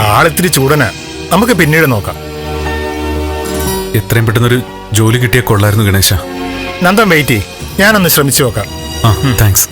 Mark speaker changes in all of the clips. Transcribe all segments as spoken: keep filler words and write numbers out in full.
Speaker 1: ആളിത്തിരി ചൂടനാ. നമുക്ക് പിന്നീട് നോക്കാം.
Speaker 2: എത്രയും പെട്ടെന്നൊരു ജോലി കിട്ടിയാൽ കൊള്ളായിരുന്നു ഗണേശ.
Speaker 1: നന്ദൻ വെയിറ്റ് ചെയ്യ്, ഞാനൊന്ന് ശ്രമിച്ചു നോക്കാം.
Speaker 2: ആ താങ്ക്സ്.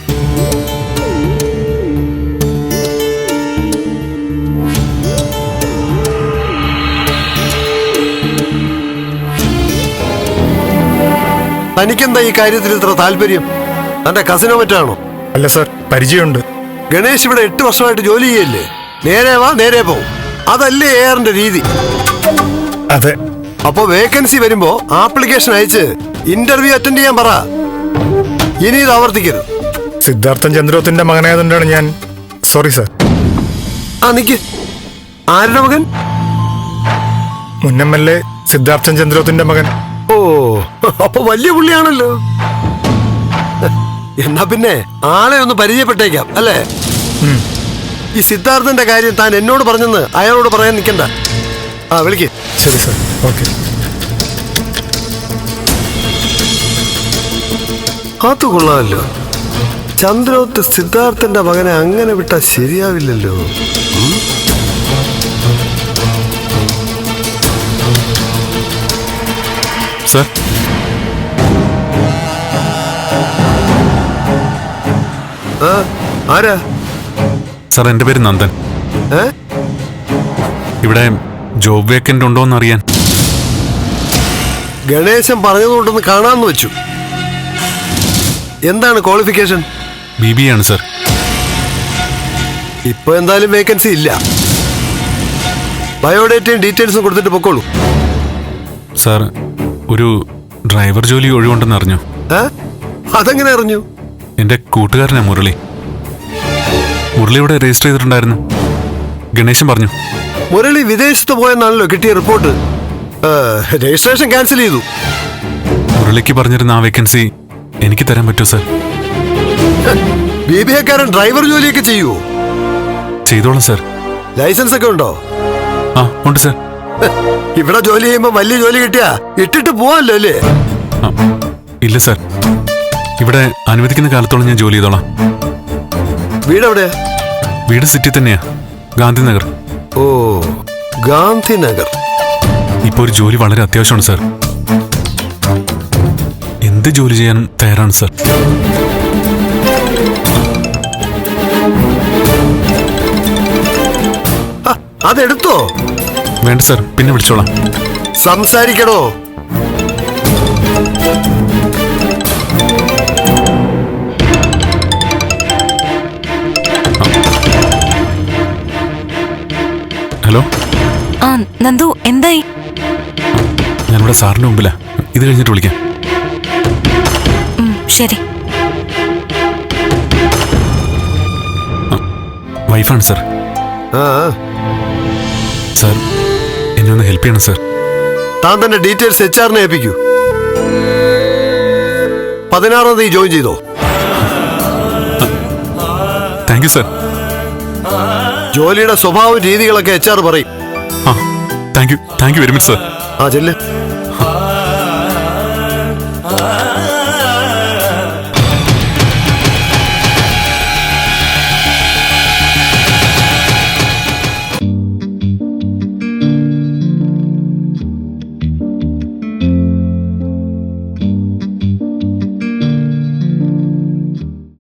Speaker 3: തനിക്കെന്താ ഈ കാര്യത്തിൽ ഇത്ര താല്പര്യം? തന്റെ കസിനോ മറ്റാണോ?
Speaker 1: അല്ല സർ, പരിചയമുണ്ട്.
Speaker 3: ഗണേഷ് ഇവിടെ എട്ട് വർഷമായിട്ട് ജോലി ചെയ്യല്ലേ? നേരെ വാ നേരെ പോ, അതല്ലേ എയറിന്റെ രീതി.
Speaker 1: അതെ.
Speaker 3: അപ്പൊ വേക്കൻസി വരുമ്പോ ആപ്ലിക്കേഷൻ അയച്ച് ഇന്റർവ്യൂ അറ്റൻഡ് ചെയ്യാൻ പറ. ഇനി ഇത് ആവർത്തിക്കരുത്.
Speaker 1: സിദ്ധാർത്ഥൻ ചന്ദ്രോത്തിന്റെ മകനായതുകൊണ്ടാണ് ഞാൻ. Sorry sir.
Speaker 3: ആ നിക്ക്, ആരുടെ മകൻ?
Speaker 1: മുൻ എം എൽ എ സിദ്ധാർത്ഥൻ ചന്ദ്രോത്തിന്റെ മകൻ.
Speaker 3: ഓ, അപ്പൊ വലിയ പുള്ളിയാണല്ലോ. എന്നാ പിന്നെ ആളെ ഒന്ന് പരിചയപ്പെട്ടേക്കാം അല്ലേ? ഈ സിദ്ധാർത്ഥന്റെ കാര്യം താൻ എന്നോട് പറഞ്ഞെന്ന് അയാളോട് പറയാൻ നിൽക്കണ്ട. ആ വിളിക്ക്.
Speaker 1: ശരി സർ. ഓക്കെ.
Speaker 3: അത് കൊള്ളാമല്ലോ. ചന്ദ്രോത്ത് സിദ്ധാർത്ഥന്റെ മകനെ അങ്ങനെ വിട്ടാൽ ശരിയാവില്ലല്ലോ.
Speaker 2: സർ,
Speaker 3: ആ ആരാ?
Speaker 2: സാർ എൻ്റെ പേര് നന്ദൻ.
Speaker 3: ഏ
Speaker 2: ഇവിടെ ജോബ് വേക്കൻ്റ് ഉണ്ടോ എന്ന് അറിയാൻ.
Speaker 3: ഗണേശൻ പറഞ്ഞതുകൊണ്ടൊന്ന് കാണാന്ന് വെച്ചു. എന്താണ് ക്വാളിഫിക്കേഷൻ?
Speaker 2: ബി ബി ആണ് സർ.
Speaker 3: ഇപ്പൊ എന്തായാലും വേക്കൻസി ഇല്ല. ബയോഡേറ്റയും ഡീറ്റെയിൽസും കൊടുത്തിട്ട് പൊക്കോളൂ.
Speaker 2: സാർ, ഒരു ഡ്രൈവർ ജോലി ഒഴിവുണ്ടെന്ന് അറിഞ്ഞു.
Speaker 3: ഏ അതെങ്ങനെ അറിഞ്ഞു?
Speaker 2: എൻ്റെ കൂട്ടുകാരനാ മുരളി. മുരളി ഇവിടെ രജിസ്റ്റർ ചെയ്തിട്ടുണ്ടായിരുന്നു. ഗണേശൻ പറഞ്ഞു.
Speaker 3: മുരളി വിദേശത്ത് പോയെന്നാണല്ലോ കിട്ടിയ റിപ്പോർട്ട്. രജിസ്ട്രേഷൻ ക്യാൻസൽ ചെയ്തു.
Speaker 2: മുരളിക്ക് പറഞ്ഞിരുന്ന ആ വേക്കൻസി എനിക്ക് തരാൻ പറ്റുമോ സർ?
Speaker 3: ബി ബി എക്കാരൻ ഡ്രൈവർ ജോലിയൊക്കെ ചെയ്യുവോ?
Speaker 2: ചെയ്തോളാം സർ.
Speaker 3: ലൈസൻസ് ഒക്കെ ഉണ്ടോ?
Speaker 2: ആ ഉണ്ട് സർ.
Speaker 3: ഇവിടെ ജോലി ചെയ്യുമ്പോ വലിയ ജോലി കിട്ടിയാ ഇട്ടിട്ട് പോവാല്ലോ അല്ലേ?
Speaker 2: ഇല്ല സർ, ഇവിടെ അനുവദിക്കുന്ന കാലത്തോളം ഞാൻ ജോലി ചെയ്തോളാം.
Speaker 3: വീട് എവിടെയാ?
Speaker 2: വീട് സിറ്റി തന്നെയാ, ഗാന്ധിനഗർ.
Speaker 3: ഓ, ഗാന്ധിനഗർ.
Speaker 2: ഇപ്പൊ ഒരു ജോലി വളരെ അത്യാവശ്യമാണ് സർ. എന്ത് ജോലി ചെയ്യാനും തയ്യാറാണ് സർ.
Speaker 3: അതെടുത്തോ?
Speaker 2: വേണ്ട സർ, പിന്നെ വിളിച്ചോളാം.
Speaker 3: സംസാരിക്കണോ?
Speaker 2: ഹലോ.
Speaker 4: ആ നന്ദു, എന്തായി?
Speaker 2: ഞാനിവിടെ സാറിന്റെ മുമ്പിലാ. ഇത് കഴിഞ്ഞിട്ട് വിളിക്കാം.
Speaker 4: ശരി.
Speaker 2: വൈഫാണ് സർ.
Speaker 3: ആ
Speaker 2: സാർ, എന്നെ ഒന്ന് ഹെൽപ്പ് ചെയ്യണം സർ.
Speaker 3: താൻ തന്നെ ഡീറ്റെയിൽസ് എച്ച് ആറിനെ ഏൽപ്പിക്കൂ. പതിനാറാം തീയതി ജോയിൻ ചെയ്തോ?
Speaker 2: Thank you sir.
Speaker 3: ജോലിയുടെ സ്വഭാവം രീതികളൊക്കെ എച്ച് ആർ പറയും.
Speaker 2: ആ thank you thank you very much sir.
Speaker 3: ആ ചെല്ല്.